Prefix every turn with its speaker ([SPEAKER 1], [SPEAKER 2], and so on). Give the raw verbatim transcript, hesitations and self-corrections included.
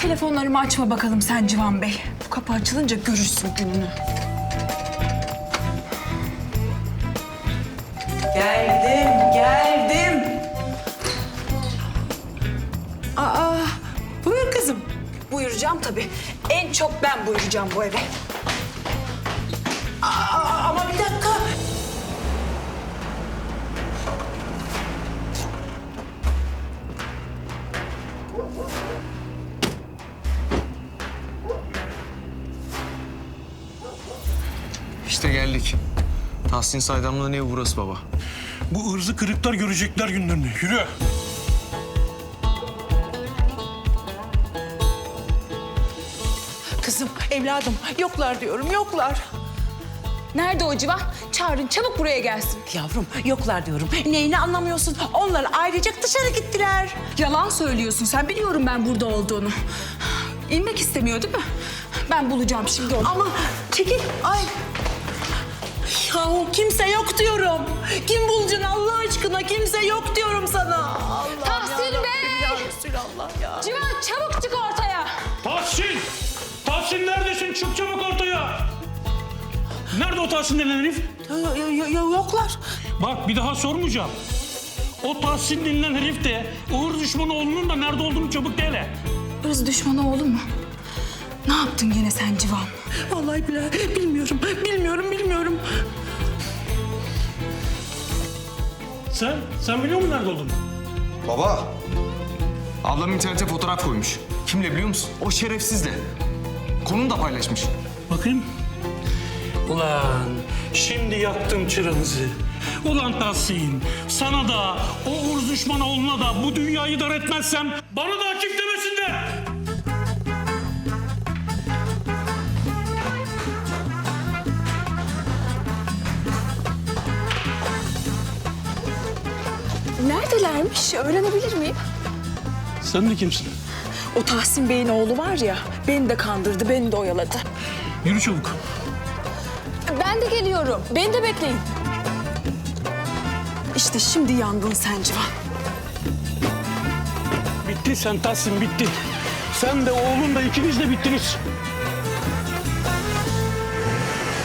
[SPEAKER 1] telefonlarımı açma bakalım sen Civan Bey. Bu kapı açılınca görürsün gününü.
[SPEAKER 2] Geldim, geldim. Aa, buyur kızım.
[SPEAKER 1] Buyuracağım tabii. En çok ben buyuracağım bu eve.
[SPEAKER 2] Aa, ama bir dakika.
[SPEAKER 3] İşte geldik. Tahsin Saydamlı'nın evi burası baba.
[SPEAKER 4] Bu ırzı kırıklar görecekler günlerini. Yürü.
[SPEAKER 2] Kızım, evladım. Yoklar diyorum, yoklar.
[SPEAKER 1] Nerede o Civan? Çağırın çabuk buraya gelsin.
[SPEAKER 2] Yavrum, yoklar diyorum. Neyini anlamıyorsun? Onlar ailecek dışarı gittiler.
[SPEAKER 1] Yalan söylüyorsun sen. Biliyorum ben burada olduğunu. İnmek istemiyor değil mi? Ben bulacağım şimdi onu.
[SPEAKER 2] Ama çekil. Ay. Yahu kimse yok diyorum. Kim bulacaksın Allah aşkına? Kimse yok diyorum sana. Allah
[SPEAKER 1] Tahsin Bey!
[SPEAKER 2] Ya Resulallah ya.
[SPEAKER 1] Civan çabuk çık ortaya.
[SPEAKER 4] Tahsin! Tahsin neredesin? Çık çabuk ortaya. Nerede o Tahsin denen herif?
[SPEAKER 2] Ya, ya, ya, ya, yoklar.
[SPEAKER 4] Bak bir daha sormayacağım. O Tahsin denilen herif de Uğur düşmanı oğlunun da nerede olduğunu çabuk de hele.
[SPEAKER 1] Irz düşmanı oğlum mu? Ne yaptın gene sen Civan?
[SPEAKER 2] Vallahi billahi bilmiyorum. Bilmiyorum, bilmiyorum.
[SPEAKER 4] Sen? Sen biliyor musun nerede olduğunu?
[SPEAKER 3] Baba. Ablam internete fotoğraf koymuş. Kimle biliyor musun? O şerefsizle. Konunu da paylaşmış.
[SPEAKER 4] Bakayım. Ulan şimdi yaktım çıranızı. Ulan Tahsin, sana da, o Uğur düşmanı oğluna da bu dünyayı dar etmezsem bana da Akif demesinler.
[SPEAKER 1] Neredelermiş? Öğrenebilir miyim?
[SPEAKER 4] Sen de kimsin?
[SPEAKER 1] O Tahsin Bey'in oğlu var ya, beni de kandırdı, beni de oyaladı.
[SPEAKER 4] Yürü çabuk.
[SPEAKER 1] Ben de geliyorum. Beni de bekleyin. İşte şimdi yandın sen Civan.
[SPEAKER 4] Bitti sen Tahsin, bitti. Sen de oğlun da ikiniz de bittiniz.